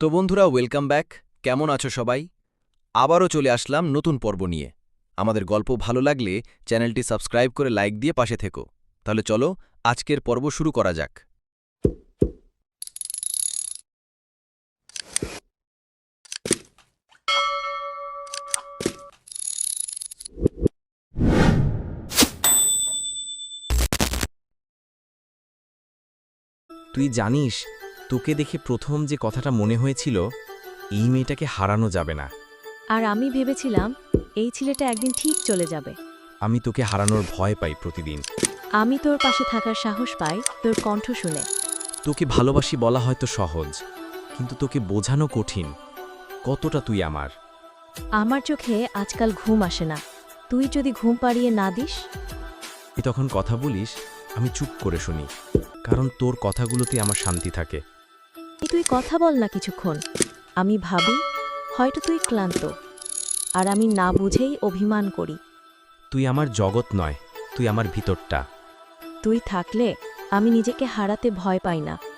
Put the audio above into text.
তো বন্ধুরা, welcome back. কেমন আছো সবাই? আবারও চলে আসলাম নতুন পর্ব নিয়ে। আমাদের গল্প ভালো লাগলে চ্যানেলটি সাবস্ক্রাইব করে লাইক দিয়ে পাশে থেকো। তাহলে চলো আজকের পর্ব শুরু করা যাক। তুই জানিস, তোকে দেখে প্রথম যে কথাটা মনে হয়েছিল, এই মেয়েটাকে হারানো যাবে না। আর আমি ভেবেছিলাম এই ছেলেটা একদিন ঠিক চলে যাবে। আমি তোকে হারানোর ভয় পাই প্রতিদিন। আমি তোর পাশে থাকার সাহস পাই তোর কণ্ঠ শুনে। তোকে ভালোবাসি বলা হয়তো সহজ, কিন্তু তোকে বোঝানো কঠিন কতটা তুই আমার। আমার চোখে আজকাল ঘুম আসে না। তুই যদি ঘুম পাড়িয়ে না দিস। তুই তখন কথা বলিস, আমি চুপ করে শুনি, কারণ তোর কথাগুলোতে আমার শান্তি থাকে। তুই কথা বল না কিছুক্ষণ। আমি ভাবি হয়তো তুই ক্লান্ত, আর আমি না বুঝেই অভিমান করি। তুই আমার জগৎ নয়, তুই আমার ভিতরটা। তুই থাকলে আমি নিজেকে হারাতে ভয় পাই না।